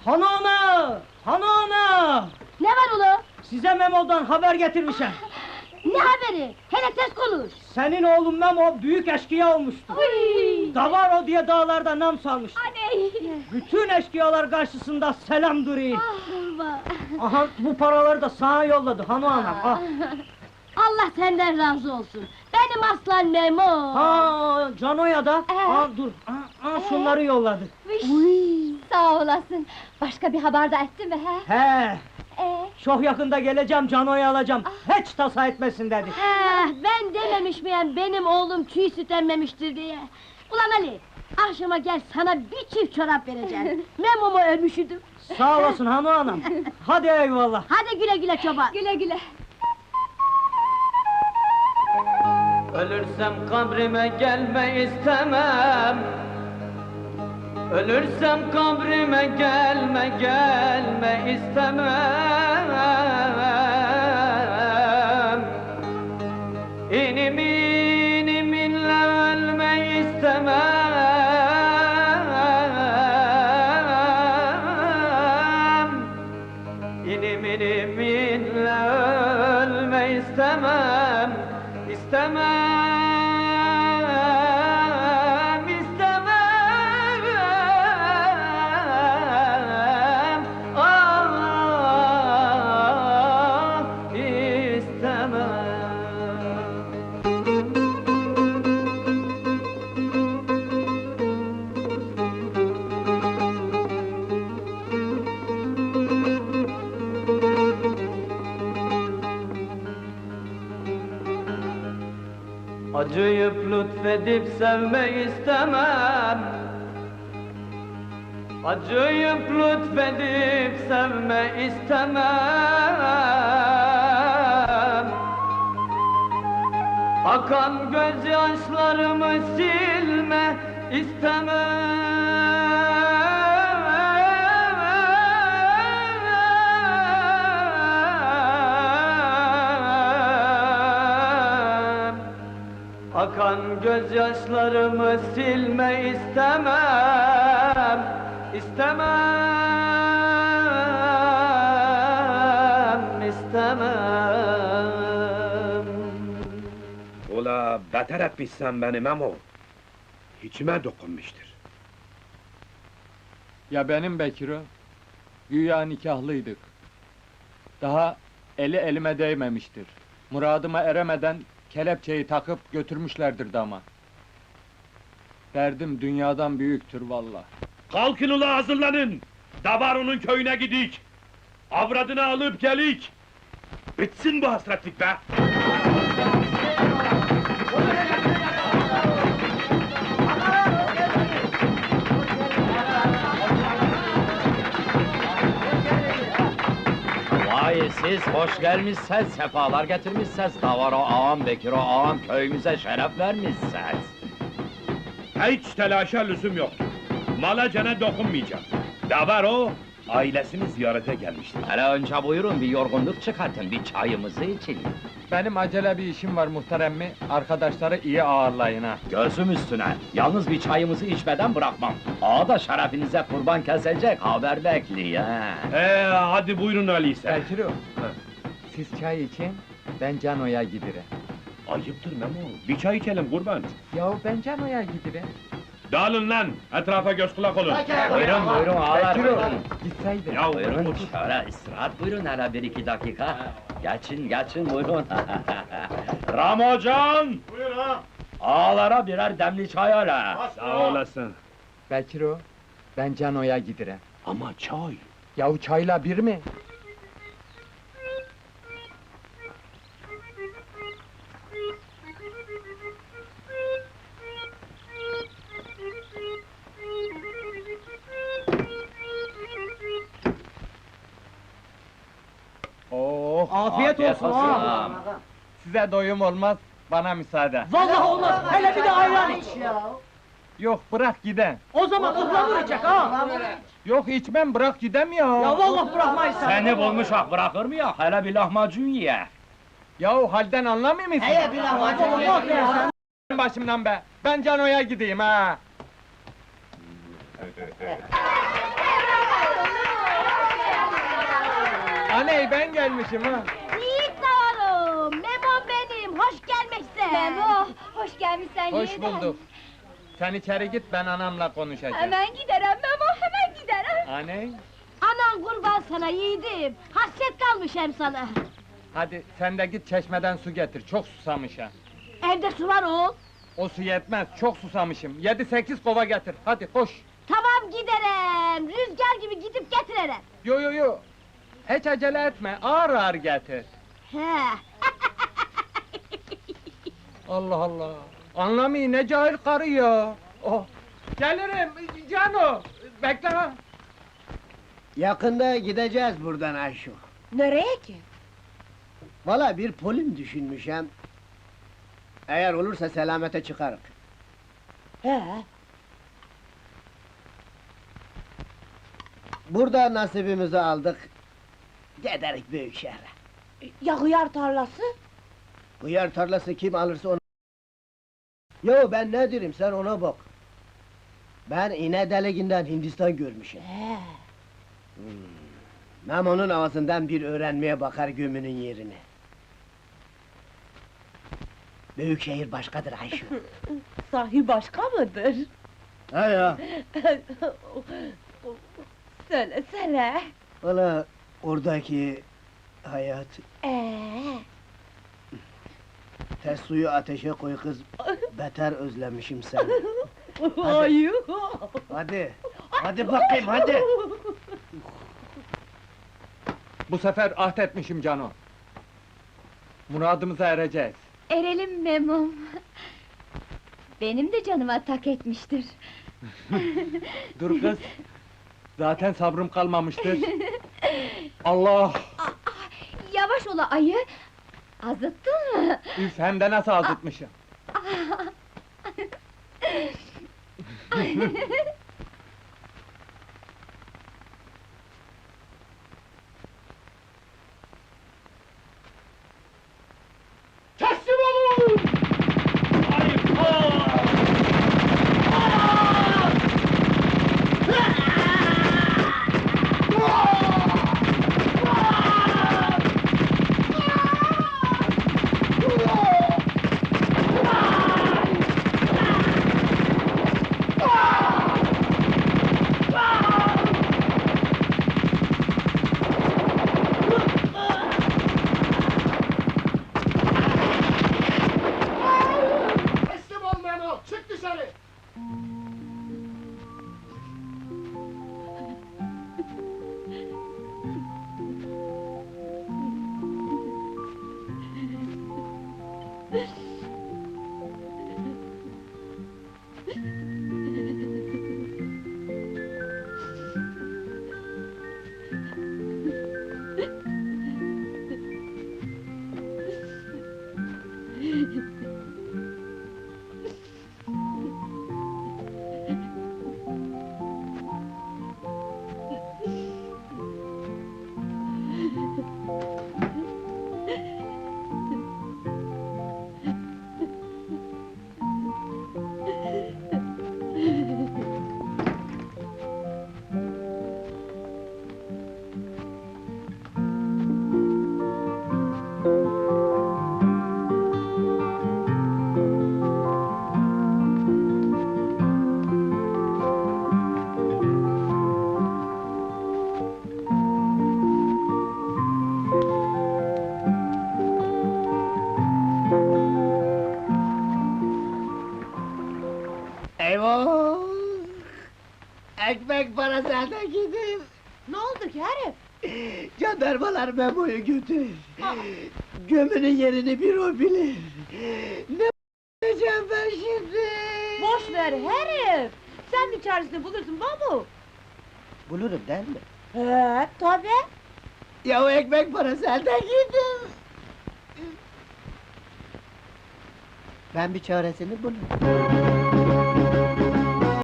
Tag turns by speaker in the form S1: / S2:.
S1: Hanım! Hanım!
S2: Ne var ulu?
S1: Size Memo'dan haber getirmişim.
S2: Ne haberi? Hele tez konuş!
S1: Senin oğlun Memo büyük eşkıya olmuştu.
S2: Uy!
S1: Davaro diye dağlarda nam salmıştı.
S2: Aney!
S1: Bütün eşkıyalar karşısında selam duruyor.
S2: Ah,
S1: Aha bu paraları da sana yolladı hanım. Ah.
S2: Allah senden razı olsun! Benim aslan Memo!
S1: Ha Cano'ya da. Ha dur. Şunları yolladı.
S2: Uy! Sağ olasın! Başka bir haber de etti mi he?
S1: He. Çok yakında geleceğim Cano'yu alacağım. Hiç tasa etmesin dedi.
S2: Ben dememiş miyim benim oğlum çiğ süt emmemiştir diye? Ulan Ali! Akşama gel sana bir çift çorap vereceğim. Memo'mu ölmüşüdüm.
S1: Sağ olasın hanım. Hadi eyvallah.
S2: Hadi güle güle çoban! Güle güle!
S3: Ölürsem kabrime gelme istemem. Ölürsem kabrime gelme istemem. İnim iniminle ölme istemem. İnim iniminle ölme istemem. İstemem, istemem, istemem. Acıyıp lütfedip sevme istemem. Acıyıp lütfedip sevme istemem. Akan gözyaşlarımı silme istemem. Akan gözyaşlarımı silme istemem. İstemem.
S4: Ula beter etmişsen beni Memo. İçime dokunmuştur.
S5: Ya benim Bekir'o? Güya nikahlıydık. Daha eli elime değmemiştir. Muradıma eremeden kelepçeyi takıp götürmüşlerdir dama. Derdim dünyadan büyüktür vallahi.
S4: Kalkın ula hazırlanın! Davaro'nun köyüne gidik! Avradını alıp gelik! Bitsin bu hasretlik be!
S6: Vay siz hoş gelmişsiniz, sefalar getirmişsiniz. Davaro ağam, Bekiro ağam köyümüze şeref vermişsiniz.
S4: Hiç telaşa lüzum yok. Mala cana dokunmayacağım. Davaro, ailesini ziyarete gelmiştir.
S6: Hele önce buyurun bir yorgunluk çıkartın, bir çayımızı için.
S5: Benim acele bir işim var muhterem mi? Arkadaşları iyi ağırlayın ha.
S6: Gözüm üstüne, yalnız bir çayımızı içmeden bırakmam. Ağa da şerefinize kurban kesecek, haber bekliyor ha.
S4: Hadi buyurun öyleyse.
S5: Bekir'o, siz çay için, ben Cano'ya gidirem.
S4: Ayıptır Memo, bir çay içelim kurban.
S5: Yahu ben Cano'ya gidirem.
S4: Dağılın lan, etrafa göz kulak olun.
S6: Buyurun buyurun ağalar
S5: Bekir'o,
S6: buyurun.
S5: gitseydin.
S4: Ya
S6: Buyurun
S4: otur.
S6: şöyle istirahat buyurun hele bir iki dakika. Geçin buyurun.
S4: Ramocan!
S7: Buyur ha!
S6: Ağalara birer demli çay hele.
S4: Sağ olasın.
S5: Bekir'o, ben Cano'ya gidirem.
S4: Ama çay.
S5: Yahu çayla bir mi? Oh,
S1: Afiyet olsun ağam.
S5: size doyum olmaz, bana müsaade.
S1: Vallahi olmaz. Hele bir de ayran iç.
S5: Yok, bırak giden.
S1: O zaman ıhlamur içecek ha.
S5: Yok içmem, bırak gidem ya.
S1: Ya vallahi bırakmayız sen.
S6: Seni bulmuşak bırakır mı ya? Hele bir lahmacun ye.
S5: Yahu halden anlamıyor musun?
S1: Bir lahmacun ye.
S5: Başımdan be! Ben Cano'ya gideyim ha! Aney ben gelmişim ha.
S2: Yiğit Davarım, Memom benim, hoş gelmişsin.
S7: Memo, hoş gelmişsen
S5: Hoş
S7: yeniden.
S5: bulduk. Sen içeri git, ben anamla konuşacağım.
S7: Hemen giderim Memo, hemen giderim.
S5: Aney,
S2: Anan kurban sana yiğidim, hasret kalmış hem sana.
S5: hadi sen de git çeşmeden su getir, çok susamışım.
S2: Evde su var oğul.
S5: O su yetmez, çok susamışım. 7-8 kova getir, hadi koş.
S2: Tamam giderim, rüzgar gibi gidip getiririm.
S5: Yo yo yo, hiç acele etme, ağır ağır getir.
S2: He.
S5: Allah Allah, anlamayın ne cahil karı ya. Oh. Gelirim, Cano, bekle ha.
S8: Yakında gideceğiz buradan Ayşo.
S7: Nereye ki?
S8: Valla bir polim düşünmüşem. Eğer olursa selamete çıkarık.
S7: He,
S8: Burada nasibimizi aldık. Giderik büyük şehre.
S7: ya hıyar tarlası?
S8: Hıyar tarlası kim alırsa onu... Yo ben ne derim sen ona bak. Ben iğne deliğinden Hindistan görmüşüm.
S7: He.
S8: Memo'nun ağzından bir öğrenmeye bakar gömünün yerini. Büyük şehir başkadır Ayşo.
S7: Sahi başka mıdır?
S8: Ha ya,
S7: Söylesene.
S8: valla oradaki hayat... Ters suyu ateşe koy kız, beter özlemişim seni.
S7: Ay.
S8: Hadi, hadi bakayım hadi!
S5: Bu sefer ahdetmişim Cano. Muradımıza ereceğiz.
S7: Erelim Memom. Benim de canıma tak etmiştir.
S5: Dur kız, zaten sabrım kalmamıştır. Allah!
S7: Yavaş ola ayı! Azıttın mı?
S5: Üf, hem de nasıl azıtmışım.
S4: Teslim olun! Teslim ol Memo, çık dışarı!
S8: Eyvah! Ekmek parası elde gider!
S7: Ne oldu ki herif?
S8: Jandarmalar Memo'yu götürür! Gömünün yerini bir o bilir! Ne yapacağım ben şimdi?
S7: Boş ver herif! Sen bir çaresini bulursun babu!
S8: Bulurum değil mi?
S7: He, tabii!
S8: Ya o ekmek parası elden gider! Ben bir çaresini bulurum.